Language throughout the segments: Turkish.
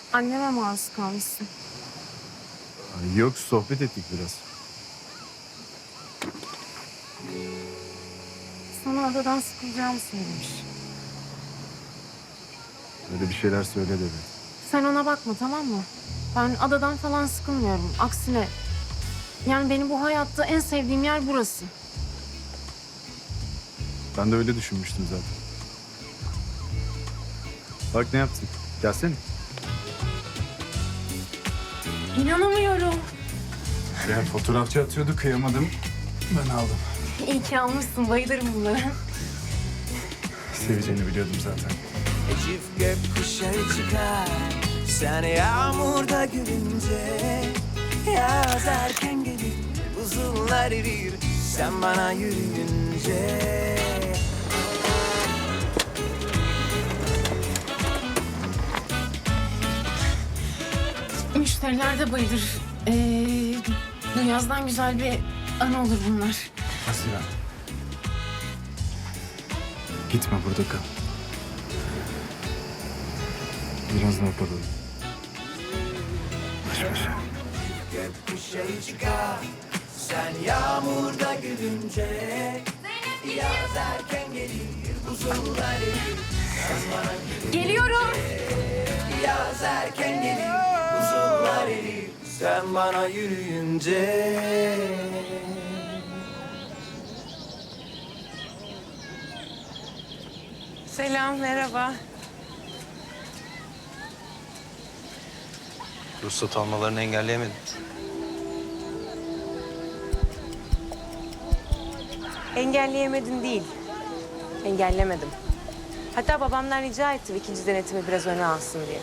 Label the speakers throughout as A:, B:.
A: Anneme maruz kalmışsın.
B: Ay yok, sohbet ettik biraz.
A: Sana adadan sıkılacağımı söylemiş.
B: Öyle bir şeyler söyle dedi.
A: Sen ona bakma, tamam mı? Ben adadan falan sıkılmıyorum. Aksine yani benim bu hayatta en sevdiğim yer burası.
B: Ben de öyle düşünmüştüm zaten. Bak ne yaptık. Gelsene.
A: İnanamıyorum.
B: Ya fotoğrafçı atıyordu, kıyamadım. Ben aldım.
A: İyi ki almışsın. Bayılırım bunlara.
B: Seveceğini biliyordum zaten.
C: Çift gökkuşağı çıkar sen yağmurda gülünce. Yaz erken gelir buzullar erir sen bana yürüyünce.
A: Müşteriler de bayılır. Bu yazdan güzel bir anı olur bunlar.
B: Haziran. Gitme, burada kal. Biraz daha kalalım. Baş başa.
C: Gökkuşağı çıkar sen yağmurda gülünce. Yaz erken gelir buzullar erir sen bana
A: Geliyorum.
C: yaz erken gelir buzullar erir sen bana yürüyünce.
A: Selam, merhaba.
D: Ruhsat almalarını engelleyemedim.
E: Engelleyemedin değil. Engellemedim. Hatta babamdan rica ettim ikinci denetimi biraz öne alsın diye.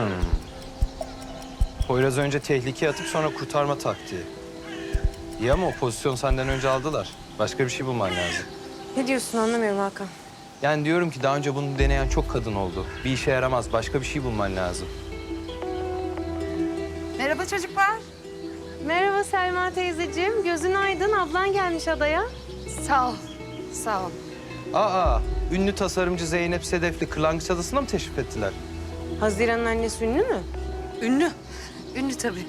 D: Poyraz önce tehlikeye atıp sonra kurtarma taktiği. İyi ama o pozisyon senden önce aldılar. Başka bir şey bulman lazım.
E: Ne diyorsun anlamıyorum Hakan.
D: Yani diyorum ki daha önce bunu deneyen çok kadın oldu. Bir işe yaramaz. Başka bir şey bulman lazım.
F: Merhaba çocuklar.
E: Merhaba Selma teyzeciğim. Gözün aydın. Ablan gelmiş adaya.
F: Sağ ol. Sağ ol.
D: Aa, ünlü tasarımcı Zeynep Sedef'li Kırlangıç Adası'na mı teşrif ettiler?
E: Haziran'ın annesi ünlü mü?
F: Ünlü. Ünlü tabii.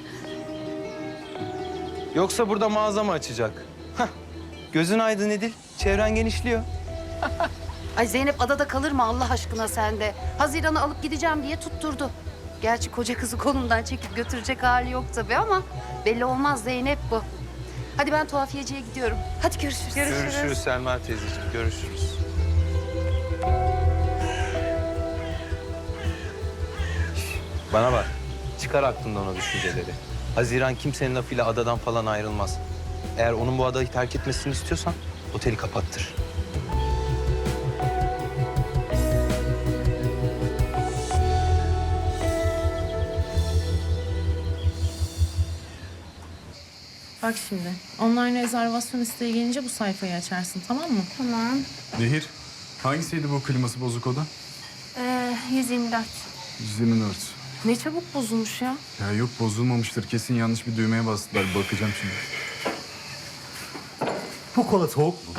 D: Yoksa burada mağaza mı açacak? Hah, gözün aydın Edil. Çevren genişliyor.
F: Ay Zeynep adada kalır mı Allah aşkına sende? Haziran'ı alıp gideceğim diye tutturdu. Gerçi koca kızı kolundan çekip götürecek hali yok tabii ama belli olmaz Zeynep bu. Hadi ben tuhafiyeciye gidiyorum. Hadi görüşürüz.
D: Görüşürüz Selma teyzeciğim. Görüşürüz. Şş, bana bak. Çıkar aklından o düşünceleri. Haziran kimsenin lafıyla adadan falan ayrılmaz. Eğer onun bu adayı terk etmesini istiyorsan oteli kapattır.
A: Bak şimdi, online rezervasyon isteği gelince bu sayfayı açarsın, tamam mı?
G: Tamam.
B: Nehir, hangisiydi bu kliması bozuk oda?
G: 124.
B: 124.
A: Ne çabuk bozulmuş ya.
B: Ya yok, bozulmamıştır. Kesin yanlış bir düğmeye bastılar. Bakacağım şimdi.
H: Bu kola soğuk mu?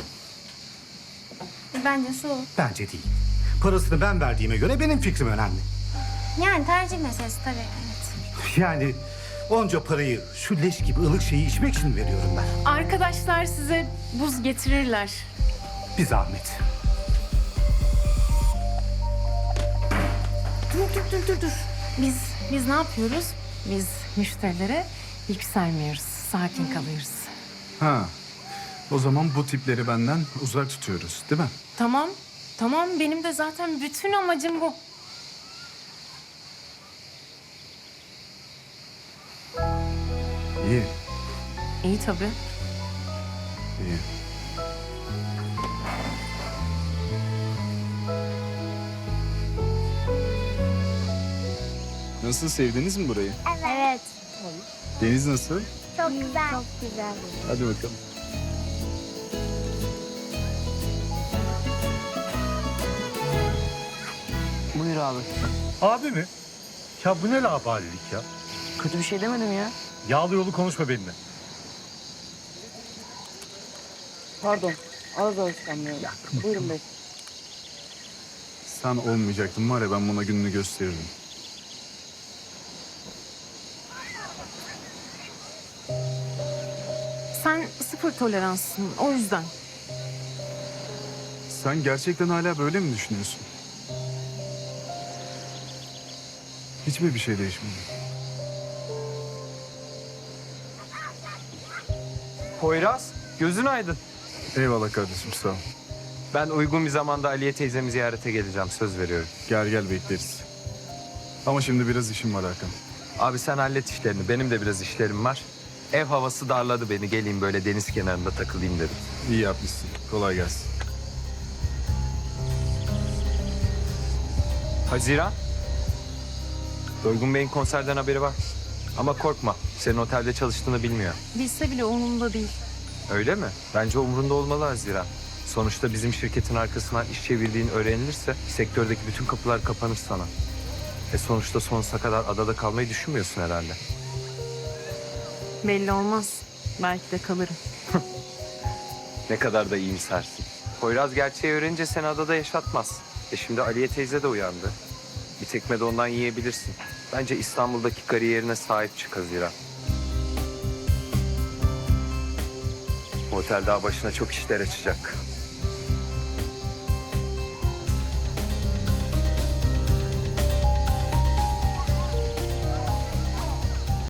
G: Bence soğuk.
H: Bence değil. Parasını ben verdiğime göre benim fikrim önemli.
G: Yani tercih meselesi tabii. Evet.
H: Yani onca parayı şu leş gibi ılık şeyi içmek için veriyorum ben.
A: Arkadaşlar size buz getirirler.
H: Bir zahmet.
A: Dur. Biz ne yapıyoruz? Biz müşterilere yükselmiyoruz. Sakin kalıyoruz.
B: Ha, o zaman bu tipleri benden uzak tutuyoruz, değil mi?
A: Tamam. Benim de zaten bütün amacım bu.
B: İyi,
A: İyi tabii.
B: iyi. Nasıl, sevdiniz mi burayı?
G: Evet.
B: Deniz nasıl?
G: Çok güzel. Çok güzel.
B: Hadi bakalım.
E: Buyur abi.
H: Abi mi? Ya bu ne labalilik ya?
E: Kötü bir şey demedim ya.
H: Yağlı yolu konuşma benimle.
E: Pardon. Az alışkanlıyorum. Buyurun bey.
B: Sen olmayacaktın var ya, ben buna gününü gösterirdim.
A: Sen sıfır toleranssın o yüzden.
B: Sen gerçekten hala böyle mi düşünüyorsun? Hiç mi bir şey değişmedi?
D: Poyraz, gözün aydın.
B: Eyvallah kardeşim, sağ ol.
D: Ben uygun bir zamanda Aliye teyzemi ziyarete geleceğim, söz veriyorum.
B: Gel bekleriz. Ama şimdi biraz işim var Hakan.
D: Abi sen hallet işlerini, benim de biraz işlerim var. Ev havası darladı beni, geleyim böyle deniz kenarında takılayım dedim.
B: İyi yapmışsın. Kolay gelsin.
D: Haziran. Doygun Bey'in konserden haberi var. Ama korkma, senin otelde çalıştığını bilmiyor.
A: Bilse bile umurumda değil.
D: Öyle mi? Bence umrunda olmalı Haziran. Sonuçta bizim şirketin arkasından iş çevirdiğin öğrenilirse sektördeki bütün kapılar kapanır sana. Sonuçta sonsuza kadar adada kalmayı düşünmüyorsun herhalde.
A: Belli olmaz. Belki de kalırım.
D: Ne kadar da iyimsersin. Poyraz gerçeği öğrenince seni adada yaşatmaz. Şimdi Aliye teyze de uyandı. Bir tekme de ondan yiyebilirsin. Bence İstanbul'daki kariyerine sahip çık Haziran. Bu otel daha başına çok işler açacak.